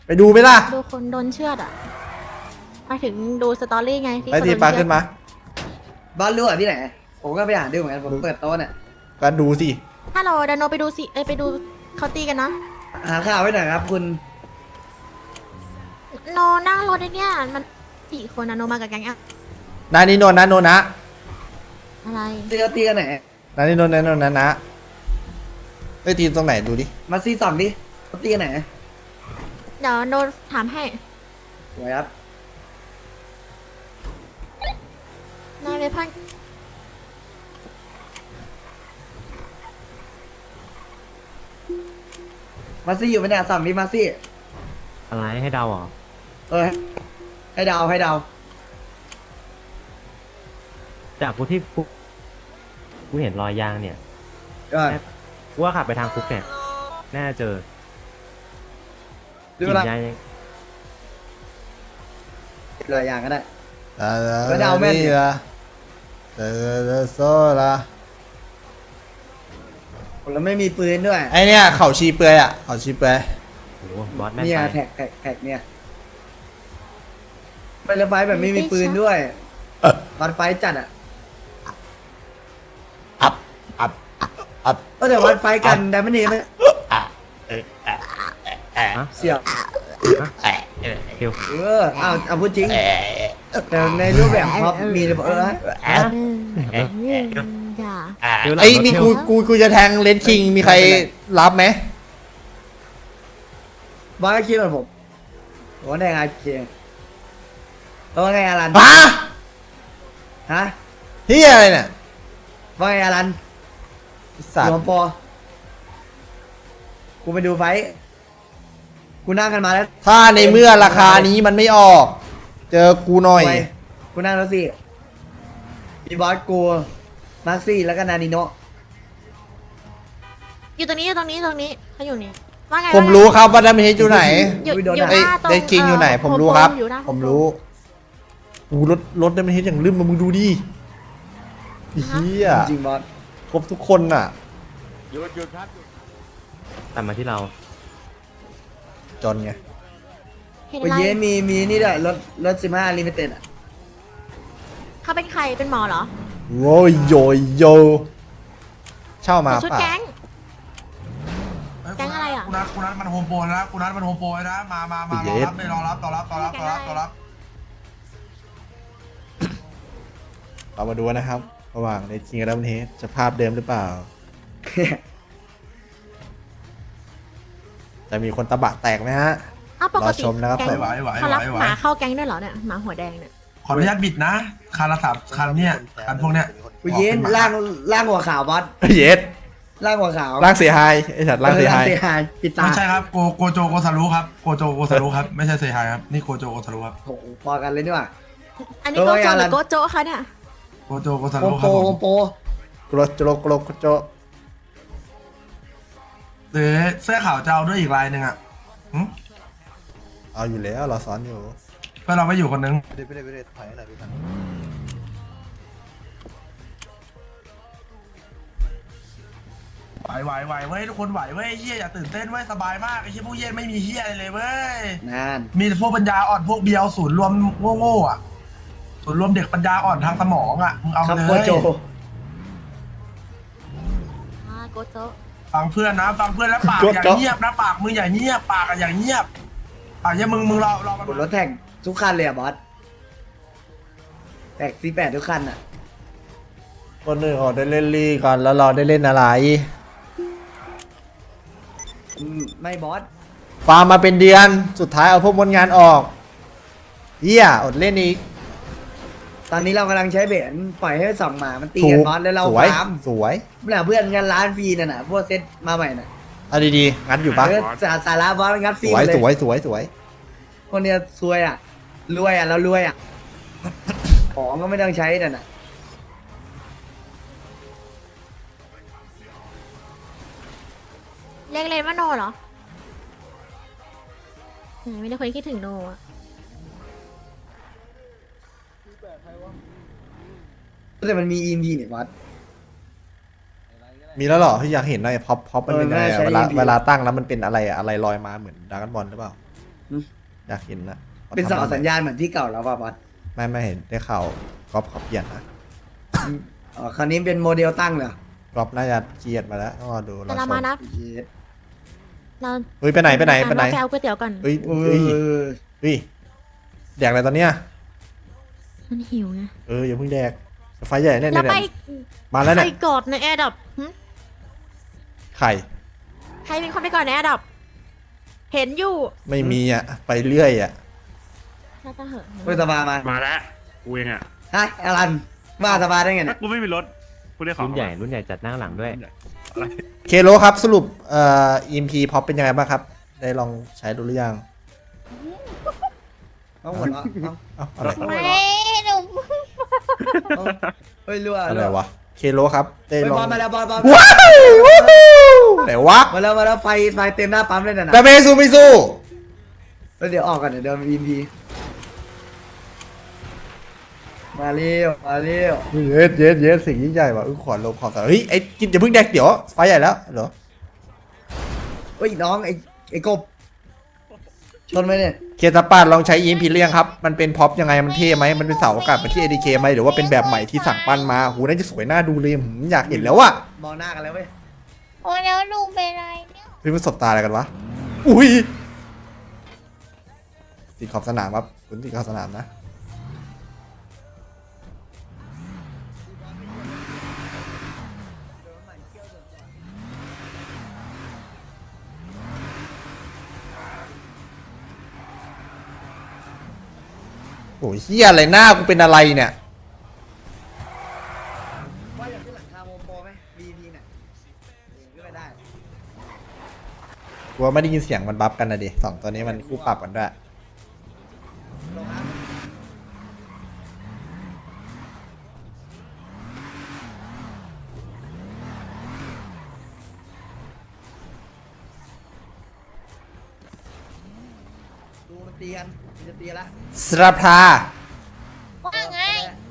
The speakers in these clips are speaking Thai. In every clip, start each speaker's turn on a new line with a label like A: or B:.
A: ไปดูไหมล่ะ
B: ดูคนโดนเชือดอ่ะมาถึงดูสตอรี่ไงที่
A: ไป
B: คน
A: ที
B: โดน
A: ปลา
B: เชื
A: ขึ้
B: อด
A: นมา
C: บ้านรั่วที่ไหนผมก็ไปอ่านดูเหมือนกันผมเปิดโต๊ะเนี่ย
A: ก็ดูสิ
B: ถ้าเราเดนโนไปดูสิไปดูเขาตีกันนะ
C: หาข่าวไว้หน่อยครับคุณ
B: โนนั่งรถไอ้เนี่ยมัน4 คนนะโนมากับแก๊งอะ
A: นานี่นนท์นะนนท์นะ
B: อะไร
C: ตีกันไหน
A: นานี่นนท์นะนนท์นะไปทีมตรงไหนดูดิ
C: มาซีสองดิตีกันไหน
B: เดี๋ยวโนถามให้
C: สวยครับ
B: นายเวพัน
C: มาซี่อยู่ไหมเนี่ยสั่งดิมาซี่
D: อะไรให้เดาเหรอ
C: ให้เดาให้เดา
D: จากกูที่กูเห็นรอยยางเนี่ย
C: ก็
D: กูว่าขับไปทางคุกเนี่ยน่าจะเจอ
C: ดู
D: กิ
C: เวน ลาย
D: าง
C: เลยอย่างก็ได้
A: เออ
C: แล้วเดาแม่นดิ
A: ละเออโซละ
C: ผมแล้วไม่มีปืนด้วย
A: ไอเนี่ยเขาชีเปลือยอ่ะเขาชีเปลือย
D: โอ้โหบอสแม่น
C: เนี่ย
D: ไป
C: แท็กเนี่ยไปเรือไฟแบบไม่มีปืนด้วยวัดไฟจัดอ่ะ
A: อับอับอับ
C: ก็แต่วัดไฟกันแต่ไม่หนีไหม
D: ฮะ
C: เสียบ
D: เดี๋ยว
C: เอาพูดจริง แต่ในรูปแบบท็อปมีเลยอย่า
A: ไอ้นี่กูจะแทงเลนคิงมีใครรับไหม
C: บอสก็คิดเหมือนผมว่าไงไงเคียงว่าไงอารัน
A: ฮะ
C: ฮะ
A: เฮียอะไรเนี่ย
C: ว่าไงอารัน
A: สัต
C: รวม
A: ว์
C: ปอกูไปดูไฟท์กูนั่งกันมาแล้ว
A: ถ้าในเมื่อราคานี้มันไม่ออก เจอกูหน่อย
C: ไปกูนั่งแล้วสิมีบอสกูมาร์ซี่แล้วก็นานิโนะ
B: อยู่ตรงนี้เขาอยู่นี่ว่าไง
A: ผมรู้ครับว่าดัมเฮดอยู่ไหน
B: อยู่
A: ไอ้
B: หน้าตรง
A: เลนคิงอยู่ไหน ผมรู้ครับ
B: อยู่หน้า
A: ผมรู้กูรถดัมเฮดอย่างลืมมามึงดูดิเฮีย
C: จริงบอส
A: ครบทุกคนน่ะ
D: ตัดมาที่เรา
A: จนไง
B: เห็น
C: โอ้
B: อะไร
C: ยเย้มีนี่ด้วยรถ15ลิมิเต็ดอ่ะ
B: เขาเป็นใครเป็นหมอเหรอ
A: โรยโยโยเช่ามา
B: ใส่ชุด
A: ป่ะ
B: แก๊ง แก๊งอะไรอ่ะ
E: กูนัดมันโฮมโปรนะกูนัดมันโฮมโปรนะมารอรับเลยรอรับต่อรับ
A: เรามาดูนะครับระหว่างเลนคิงกับดัมเฮดจะภาพเดิมหรือเปล่า จะมีคนตะบะแตกไหมฮะ
B: อ้าวปก
A: รอ
B: ติ
A: ชมนะครับ
B: แก๊ง
A: ผม
B: เขารับหมาเข้าแก๊งด้วยเหรอเนี่ยหมาหัวแดงเนี่ย
E: ขออนุญาตบิดนะคันละ3 คันเนี่ยคันพวกเนี้ย
C: โอ้ยเย้ล่างหัวขาวบอส
A: เย็ด
C: ล่างหัวขาว
A: ร่างเสียหายไอ้สัตว์ร่างเสียหาย
C: เสียหายปิดตา
E: ไม่ใช่ครับโกโจโกซารุครับโกโจโกซารุครับไม่ใช่เซฮายครับนี่โกโจโกซารุครับ
C: โอ้โหพอกันเลยนี่หว่า
B: อันนี้
C: เออ
B: โกโจ
C: ว่า
B: ห
C: ไง
B: รือโกโจคะเนี่ย
E: โกโจโกซา
C: โฮ
E: รุ
C: ม
E: ค
C: โป
E: รับ
C: ร
E: ผ
C: โฮ
E: ม
C: มโปร
A: กรโจ
E: หรือเสื้อขาวจะเอาด้วยอีกลายหนึ่งอ่ะ
A: เอาอยู่แล้วเราซ้อนอยู่
E: เพื่อเราไม่อยู่คนนึง
A: ไปเด็ดถอยหน่อยพี่ทัน
E: ไหวเว้ยทุกคนไหวเว้ยเฮียอย่าตื่นเต้นเว้ยสบายมากไอ้เฮียพวกเฮียไม่มีเฮียอะไรเลยเว้ย
C: นั่น
E: มีแต่พวกปัญญาอ่อนพวกเบียวศูนย์รวมโง่ๆอ่ะศูนย์รวมเด็กปัญญาอ่อนทางสมองอ่ะมึงเอา
C: ครับ
E: เลย
C: โกโจ
B: โกโจ
E: ฟังเพื่อนนะฟังเพื่อนแล้วปากอย่าเงียบนะปากมึงอย่าเงียบปากอะอย่าเงียบปากอย่ามึงรอมัน
C: บนรถแท็กทุกคันเลยอ่ะบอสแท็กC8ทุกคันอ่ะ
A: คนหนึ่งออกได้เล่นลีก่อนแล้วเราได้เล่นอะไร
C: ไม่บอส
A: ฟาร์มมาเป็นเดือนสุดท้ายเอาพวกมนงานออกเฮียอดเล่นอีก
C: ตอนนี้เรากำลังใช้เบนปล่อยให้สองหมามันตี
A: ถู
C: กัน
A: ก
C: บอสแล้วเรา
A: สวย
C: ฟาร์ม
A: สวย
C: เนี่ยเพื่อนกันร้านฟรีน่ะนะพวกเซตมาใหม่น่ะ
A: เอาดีๆงั้นอยู่ปะ
C: สาระบอสงัดฟ
A: ส
C: รี
A: วย
C: เลย
A: สวย
C: คนเนี้ยซวยอ่ะรวยอ่ะเรารวยอ่ะ ของก็ไม่ต้องใช้น่ะนะ
B: เรียกเลนว่าโนเหรอไม่ได้คนคิดถึงโนอะ
C: แต่มันมีEMPเนี่ยบอส
A: มีแล้วเหรอที่อยากเห็นหน่อยพ็อปมันเป็นยังไง
C: เออน่าใช้
A: เวลา
C: EMP
A: เวลาตั้งแล้วมันเป็นอะไรอะอะไรลอยมาเหมือนดราก้อนบอลหรือเปล่าอยากเห็นนะ
C: เป็นเสาสัญญาณเหมือนที่เก่าแล้วป่ะบอส
A: ไม่เห็นได้ข่าวก๊อฟเขาเปลี่ยนนะ
C: อ๋อคราวนี้เป็นโมเดลตั้งเลยเหรอ
A: ก๊อฟน่าจะเกลียดมาแล้วต้องรอดู
B: แต่เรามานะ
C: เย็ด
B: เรา
A: เฮ้ยไปไหน
B: เราไปเอาก๋วยเตี๋ยวก่อน
A: เฮ้ย
C: เอ
A: เฮ้ยแดกอะไรตอนเนี้ย
B: มันหิวไง
A: อย่าเพิ่งแดกไฟใหญ่เนี่ย
B: แล้วไป
A: มาแล้ว
B: ใค
A: เนี่
B: ร
A: ย
B: กอดในแอร์ดับ
A: ไข่
B: ใครเป็นคนไปก่อนในแอร์ดับ เห็นอยู่
A: ไม่มีอ่ะไปเรื่อยอ่ะ
B: น่าจะเหอะ
C: เฮ้ยสบายมา
F: มาแล้วกูเองอ่ะ
C: ฮะอลันมาสบายได้ไง
F: ถ้า
C: เนี่ย
F: กูไม่มีรถกูได้ของ
D: รุ่นใหญ่จัดนั่งหลังด้วย
A: เคโลครับสรุปEMP พอปเป็นยังไงบ้างครับ ได้ลองใช้ดูหรือยัง
C: เอาหมดละเอา
A: เอ้าอะไร
B: ไม่หนู
C: เอาเฮ้ยรั่ว
A: อะไรวะเคโลครับได้
C: เฮ้ย
A: ลอง
C: บอลมาแล้วบอล
A: ว้าวไหนวะ
C: มาแล้วไฟเต็มหน้าปั๊มเลยนะ
A: แต่ไม่สู้ไม่สู้
C: เดี๋ยวออกกันเดี๋ยวเดินอีพีมาเร็ว
A: เย็ดสิ่งยิ่งใหญ่ว่ะขอลงขอสารเฮ้ยไอ้กินอย่าเพิ่งแดกเดี๋ยวไฟใหญ่แล้วเหรอ
C: เฮ้ยน้องไอ้กบชนไหมเนี่ย
A: เคสปาดลองใช้ EMP หรือยังครับมันเป็นพ็อปยังไงมันเท่ไหมมันเป็นเสาอากาศเหมือนที่ ADK ไหมหรือว่าเป็นแบบใหม่ที่สั่งปั้นมาหูน่าจะสวยน่าดูเลยอยากเห็นแล้วอะ
C: มองหน้ากันแล้วเว้ย
B: โอ้แล้วลุงเป็นไรเนี่ย
A: เฮ้ยมันสบตาอะไรกันวะอุ้ยติดขอบสนามครับคุณติดขอบสนามนะโอ้ยเฮียอะไรหน้ากูเป็นอะไรเนี่ย
C: ว่าอยากขึ้นหลังคาโมโปรไหม VP เนี่ยขึ้นไปได้
A: กูว่าไม่ได้ยินเสียงมันบัฟกันนะดิสองตัวนี้มันคู่ปรับกันด้วย
C: ลงครับดูมันตีกันมันจะตีละ
A: สราพา
B: ว่าไง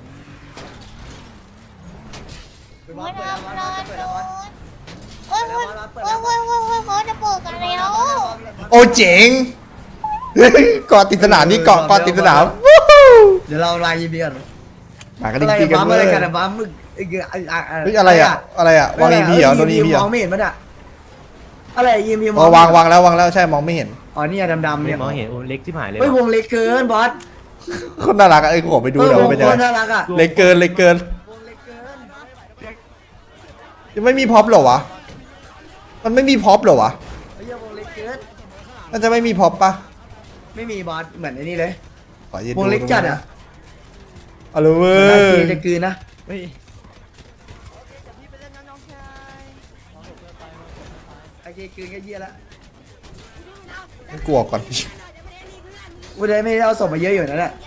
C: ไปบอสเปิดแล้วบอสเปิดแล้วบอส
B: โอ้ยเขาจะเปิดกันแล้ว
A: โอ้เจ๋งเฮ้ยเกาะติดสนามนี่เกาะติดสนามวู้ฮู้
C: เดี๋ยวเราไลน์ยีบีก่อน
A: มากัน
C: อะไร
A: ดีกัน
C: บ้า
A: เล
C: อะไร
A: ย
C: กันอะบ้ามึงเฮ้ย
A: อะไรอ่ะวาง EMP เหรอโดน EMP เหร
C: ม
A: อ
C: องไม่เห็นมันอะอะไรยีบีม
A: อ๋อวางแล้วใช่มองไม่เห็น
C: อ๋อนี่ดำๆ
D: ไม่
C: เนี่ย
D: มองเห็นโอ้เล็กที่หายเลย
C: เฮ้ยวงเล็กเกินบอส
A: คนน่ารักอ่ะขอไปดูเดี๋ยว
C: วง
A: เป็น
C: โค
A: ยังไง
C: ตรน่ารักอะ
A: เล็กเกิน
C: วงเล็กเกิน
A: ยังไม่มีพ็อปเหรอวะมันไม่มีพ็อปเหรอวะ
C: เฮ้ยวงเล็กเกิน
A: มันจะไม่มีพ็อปปะ
C: ไม่มีบอสเหมือนไอ้นี่เลย
A: ขอยืน
C: วงเล็กจัดอะ
A: เอาเลยเว้
C: น่าย จะกลืนนะ
D: เฮ้ย
C: ไอ้กลืนก็เยี่ยละ
A: มันกลัวก่อน
C: กูได้ไม่ได้เอาศพมาเยอะอยู่นั่นแหละ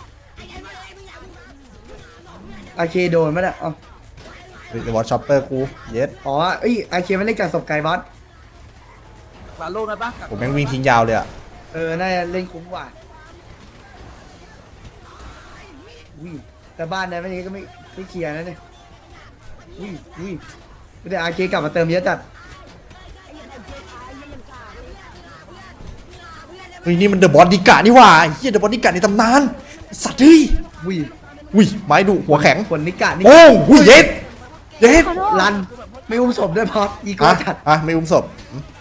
C: ไอเคโดนมั้ยเนี่ยอ๋อ
A: เดี๋ยววอชช็อปเปอร์กูเย็ด
C: อ๋อเอ้ยไอเคมันเล่นกับศพไก่บอส
A: ผมแม่งวิ่งทิ้งยาวเลยอ่ะ
C: น่าจะเล่นคุ้มกว่าอุ้ยแต่บ้านนั้นไม่ก็ไม่เคลียร์นะเนี่ยอุ้ยแต่ไอเคกลับมาเติมเยอะจัด
A: เฮ้ยนี่มันเดอะบอดี้การ์ดนี่หว่าเฮียเดอะบอดี้การ์ดในตำนานสัตว์เฮ้ย
C: อุ้ย
A: ไม้ดุหัวแข็ง
C: คนนิกะนี่
A: โอ้หุ้ยเย็ด
B: ขอโทษ
C: รันไม่อุ้มศพด้วยพออีโก้จัด
A: ไม่อุ้มศพ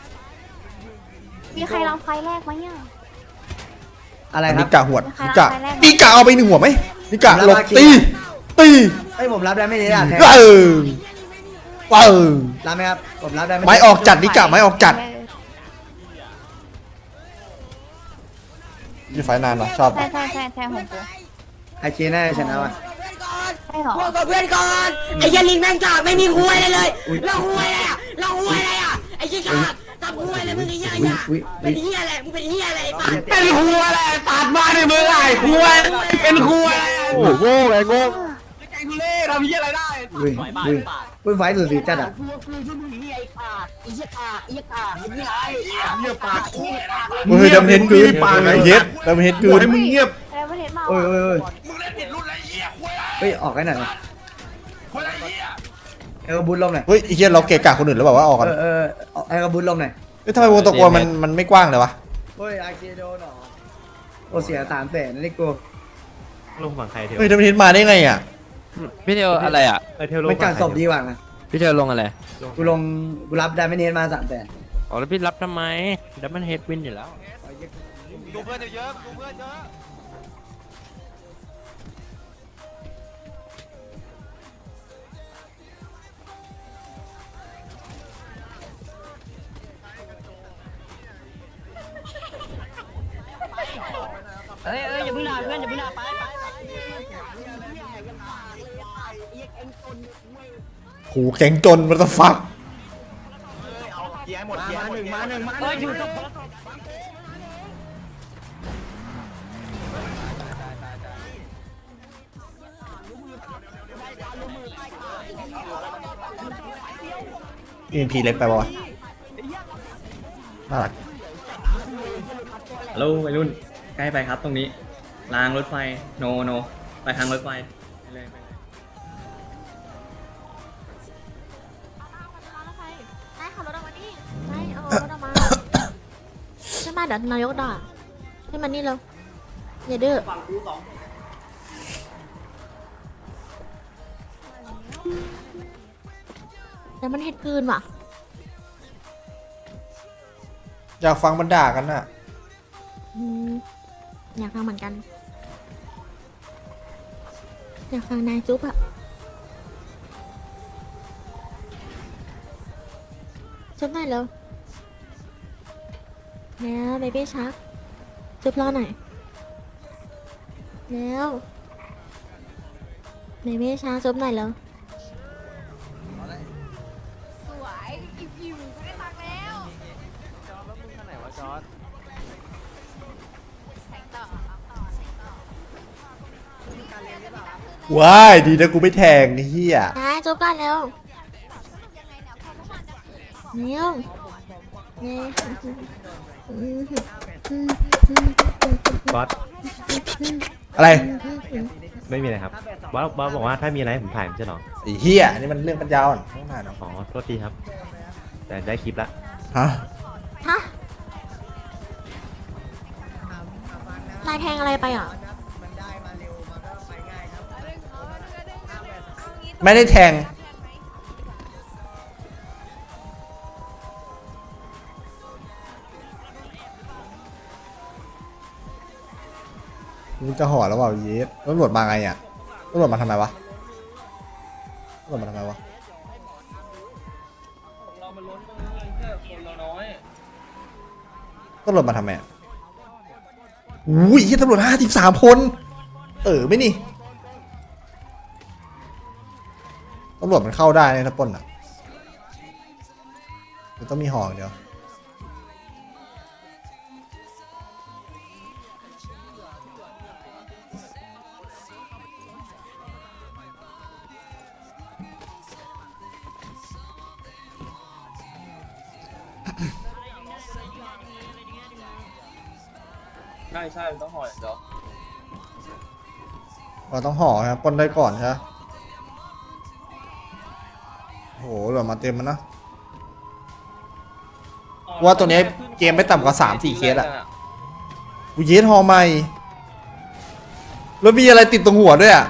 B: มีใครลองไฟแรกไหมอ่ะ
C: อะไรค
A: นิ
C: รับ
A: กะหวด
B: ใคร
A: นิ
B: รับ
A: กะ
B: ใครแรก
A: นิกะเอาไปหนึ่งหัวไหมนิกะ
C: แล้ว
A: หลบ
C: มาคิด
A: ตี
C: เอ้ยผมรับได้ไม่ได้อะแทน
A: เออ
C: รับไหมครับผมรับได้ไม่
A: ไม้ออกจัดนิกะไม้ออกจัดยี่ไฟนานเหรอชอบ
B: ใช่ของกู
C: ไอเคน่าจะชนะว่ะ
B: ใช่หรอ
G: พวกกับเพื่อนก่อนไอ้เหี้ยลิงแม่งกากไม่มีคุยอะไรเลยเราคุยอะไรอ่ะเราคุยอะไรอ่ะไอ้เหี้ยกากทำคุยอะไรมึงไอ้เหี้ยอ่ะเป็นเหี้ยอะไรมึงเป็นเหี้ยอะไรไอ้สัตว์
F: เป็นครัวอะไรตัดมาในมือไอ้ครัวเป็นครัวอะไร
A: โอ้โหไอ้โง่
F: ไอ้ทุเล่ทำเหี้ยอะไรได้
C: อุ้ยไฟสุดสีจัดอ่ะ
G: พวกคือที่มึงเหี้ยไอ้กากไอ้เหี้ยกากไอ้เหี้ยกากไอ้เหี้ยไอ้
F: เงียบปาก
A: เฮ้ยดำเห็นกืนเย็ดดำเห็นกืน
F: ให้มึงเงียบ
B: แล้วประเทศมา
C: โอ้ย
E: มึงเล่นผิดรุ่นไรเหี้ยคุย
C: เฮ้ยออกให้หน่อย
E: คนไรเหี้ย
C: ไอ้กระบุญลมหน่อย
A: เฮ้ยไอ้เหี้ยเราเกะกะคนอื่นหรือเปล่าวะออกกัน
C: ไอ้กระบุญลมหน่อย
A: เฮ้ยทำไมวงตะโกนมันไม่กว้างเลยวะ
C: เฮ้ยไอเคโดนหรอโอเสีย300,000นั่นนี่กู
D: ลงฝั่งใครเทล
A: เฮ้ยดับเบิลเฮดมาได้ไงอ่ะ
F: พี่เทลอะไรอ่ะ
D: เทลลง
C: มัน
D: ฝั่
C: กาง ร
D: ใคร
C: ศพดีกว่านะ
F: พี่เทลลงอะไร
C: กูรับได้ไม่เน้นมา300,000
F: อ๋อแล้วพี่รับทำไมดับเบิลเฮดวินอยู่แล้ว
H: ดูเพื่อนเยอะดูเพื่อนเยอะ
G: เอ้ยอย่าเพิ่งด่าเพื่อนอย่าเพิ่งด่าไป
A: หูแข็งจนมันจะฟัก
H: เกียร์หมดเกียร์หมดมาหนึ่ง
G: เอ้ยอยู่ตรง
A: EMP เล็กไปปะวะน่ารัก
I: ฮัลโหลวัยรุ่นใกล้ไปครับตรงนี้รางรถไฟโนไปทางรถไฟไปเลย
B: ได้ขับรถออกมาดิได้เอารถออกมาใช่ไหมเดี๋ยวนายกด่าให้มันนี่เร็วอย่าดื้อแต่มันเห็ดคืนว่ะ
A: อยากฟังมันด่ากันน่ะ
B: อืมอยากฟังเหมือนกัน อยากฟังนายจุ๊บอะจุ๊บหน่อยเร็วแล้วเบบี้ชักจุ๊บรอหน่อยแล้วเบบี้ชักจุ๊บหน่อยเร็วสวยอิ่มๆจะได้ตักแล้ว
A: ว้ายดีนะกูไม่แทงไอ้เฮีย
B: นายจุ๊บกันเร็วเร็วเนี่ย
D: บอส
A: อะไร
D: ไม่มีอะไรครับบอสบอกว่าถ้ามีอะไรให้ผมถ่ายผมจะหรอ
A: ไอ้เฮียนี่มันเรื่องปัญญาอ่อนต้องถ่ายเนาะ
D: อ๋อโทษทีครับ แต่ได้คลิปละ
A: ฮะ
B: ฮะนายแทงอะไรไปอ่ะ
A: ไม่ได้แทงกูจะห่อแล้วเปล่าเยสตำรวจมาไงอ่ะตำรวจมาทำไมวะตำรวจมาทำไมวะ
I: เรามันล้นตรงนี้แค่คนเราน้อย
A: ตำรวจมาทำไมอ่ะอุ้ยเหี้ยตำรวจ53 คนไม่นี่ตำรวจมันเข้าได้ในถ้าปล้นอ่ะมันต้องมีห่ออย่างเดียว
I: ใช่ต้องห่อเดี๋ยว
A: เราต้องห่อครับปล้นได้ก่อนใช่ไหมโหเหลือมาเต็มมันนะว่าตัวนี้เกมไม่ต่ำกว่า 3-4 เคสอะกูเยสห่อใหม่แล้วมีอะไรติดตรงหัวด้วยอะ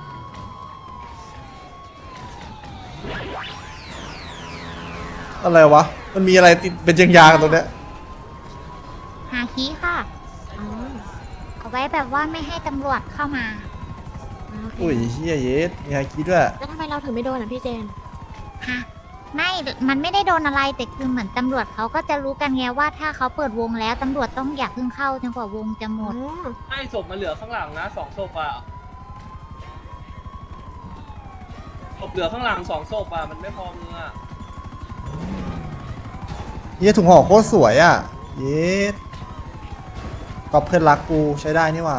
A: อะไรวะมันมีอะไรติดเป็นยางๆตรงเนี้ย
J: หาคีย์ค่ะ
B: อ๋อ
J: เอาไว้แบบว่าไม่ให้ตำรวจเข้ามา
B: โอเค
A: อุ้ยเฮียเยสมีไฮคิดด้วย
B: แล้วทำไมเราถึงไม่โดนอ่ะพี่เจน
J: ฮะ ไม่ มันไม่ได้โดนอะไร แต่คือเหมือนตำรวจเขาก็จะรู้กันไงว่าถ้าเขาเปิดวงแล้วตำรวจต้องอย่าเพิ่งเข้าจนกว่าวงจะหม
B: อ๋อ
J: ด
I: ให้ศพมาเหลือข้างหลังนะ2ศพอ่ะศพเหลือข้างหลัง2ศพอ่ะมันไม่พอมืออ่ะ
A: เฮียถุงห่อโคตรสวยอ่ะเยสก็เพื่อนรักกูใช้ได้นี่หว่า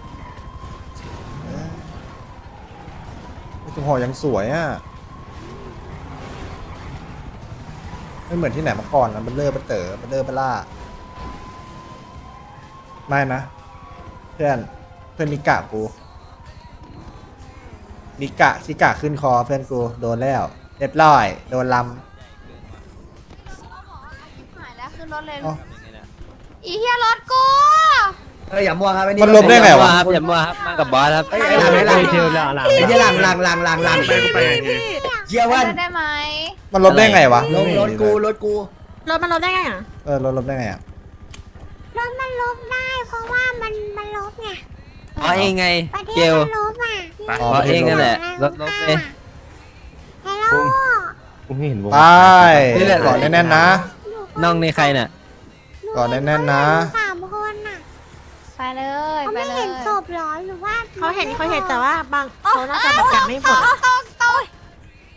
A: ถุงห่อยังสวยอ่ะไม่เหมือนที่ไหนมาก่อนนะมันเล่อมันเต๋อมันเล่อมันล่าไม่นะเพื่อนมิกะกูมิกะชิกะขึ้นคอเพื่อนกูโดนแล้วเรียบร้อยโดนล
B: หายแล้วขึ้นรถเลย
A: ำอ๋อ
B: อีเฮียรถกู
C: อย่ามัวครับไอ้นี่
A: มันลบได้ไงวะ
H: ครับอย่ามัวครับมากับบอสครับ
C: ไอ้หลังไอ้หลัง
D: เที่ยวแล้วหลัง
C: ไอ้เหี้ยหลังเยี่ยวัน
J: ได้ไหม
A: มันลบได้ไงวะ
C: รถกู
B: รถมันลบได้ไงอ่ะ
A: รถลบได้ไงอ่ะ
J: รถมันลบได้เพราะว่ามันลบไง
H: อ๋อเองไง
J: ประเท
H: เก
J: ศ
H: ล
J: มันลบอ่ะ
A: อ๋อ
H: เพราะเองนั่นแหละลบเลย
J: ฮัลโหล
D: กูไม่เห็นวง
A: ไป
H: นี่แหละ
A: ก่อนแน่นๆนะ
H: น้องในใครน่ะ
A: ก่อนแน่นๆนะ
J: 3 คนอ่ะ
B: ไปเลย
J: เขา
B: ไป
J: ไม่
B: เล
J: เห็
B: ย
J: นศพหรอหรือว่า
B: เขาเห็นแต่ว่าบางเขาน่าจะแบบยังไม่หมด
J: เอ